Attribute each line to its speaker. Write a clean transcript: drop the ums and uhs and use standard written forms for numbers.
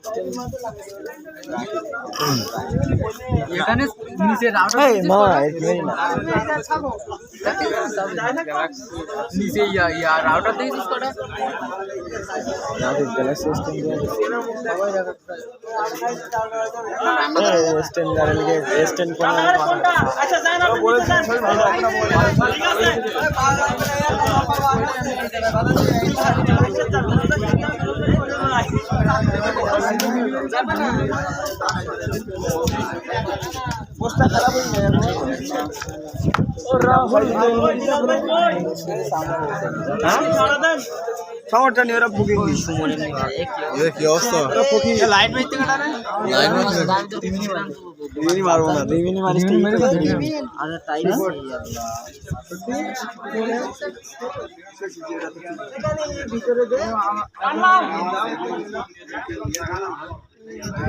Speaker 1: এখানে নিচে রাউটার নিচে রাউটার দিয়েছিস কটা
Speaker 2: পোস্টটা খারাপ হয়ে যায় সামরটা নিয়ে ওরা বুকিং কি অবস্থা লাইট মারতে কাটাবে লাইট মারতে 2 মিনিট মারবো না 2 মিনিট মারিস আর টাইম ভিতরে দে